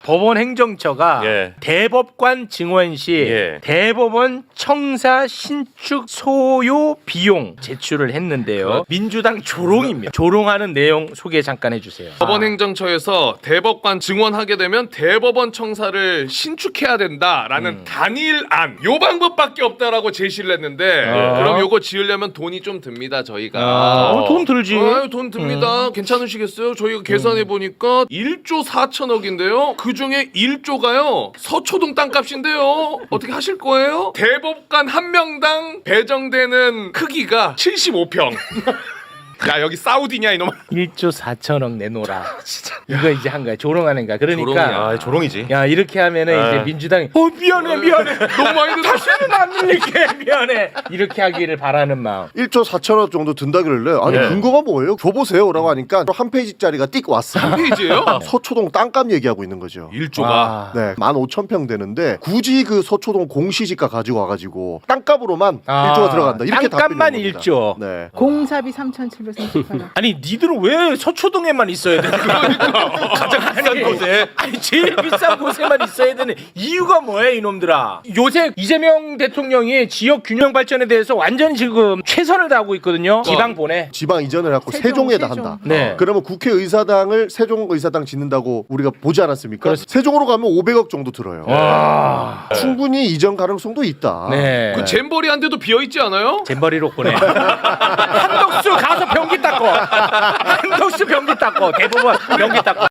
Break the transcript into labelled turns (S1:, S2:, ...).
S1: 법원 행정처가
S2: 예.
S1: 대법관 증원 시
S2: 예.
S1: 대법원 청사 신축 소요 비용 제출을 했는데요. 민주당 조롱입니다. 조롱하는 내용 소개 잠깐 해주세요.
S3: 법원 행정처에서 대법관 증원하게 되면 대법원 청사를 신축해야 된다라는 단일안 요 방법밖에 없다라고 제시를 했는데 그럼 요거 지으려면 돈이 좀 듭니다 저희가.
S1: 돈 들지.
S3: 돈 듭니다. 괜찮으시겠어요? 저희가 계산해 보니까 1조 4천억인데요. 그 중에 1조가요 서초동 땅값인데요. 어떻게 하실 거예요? 대법관 한 명당 배정되는 크기가 75평. 야 여기 사우디냐 이놈아.
S1: 1조 4천억 내놓으라. 진짜. 이거 이제 한 거야. 조롱하는 거야. 그러니까
S3: 조롱이야.
S2: 아, 조롱이지.
S1: 야 이렇게 하면은 이제 민주당이 미안해
S3: 너무 많이 들어.
S1: 다시는 안 들릴게 미안해 이렇게 하기를 바라는 마음.
S4: 1조 4천억 정도 든다길래 아니
S2: 네.
S4: 근거가 뭐예요? 줘보세요라고 하니까 한 페이지짜리가 띡 왔어요.
S3: 페이지예요?
S4: 서초동 땅값 얘기하고 있는 거죠.
S3: 1조가.
S1: 아.
S4: 네, 15,000평 되는데 굳이 그 서초동 공시지가 가지고 와가지고 땅값으로만 1조가 들어간다. 이렇게
S1: 땅값만
S4: 답변이 나옵니다.
S1: 1조.
S4: 네.
S5: 공사비 3,738원.
S1: 아니 니들은 왜 서초동에만 있어야 돼? 가장 비싼 곳에. 아니 제일 비싼 곳에만 있어야 되는 이유가 뭐야 이놈들아. 요새 이재명 대통령이 지역 균형 발전에 대해서 완전히 지금 최선을 다하고 있거든요. 지방 보내.
S4: 지방 이전을 해갖고 세종에다 한다.
S1: 네.
S4: 그러면 국회의사당을 세종의사당 짓는다고 우리가 보지 않았습니까?
S1: 그렇습니다.
S4: 세종으로 가면 500억 정도 들어요.
S1: 와.
S4: 충분히 이전 가능성도 있다.
S1: 네.
S3: 그 잼버리 한 대도 비어 있지 않아요?
S1: 잼버리로 보내. 한덕수 가서 변기 닦고. 한덕수 변기 닦고. 대법원 변기 닦고.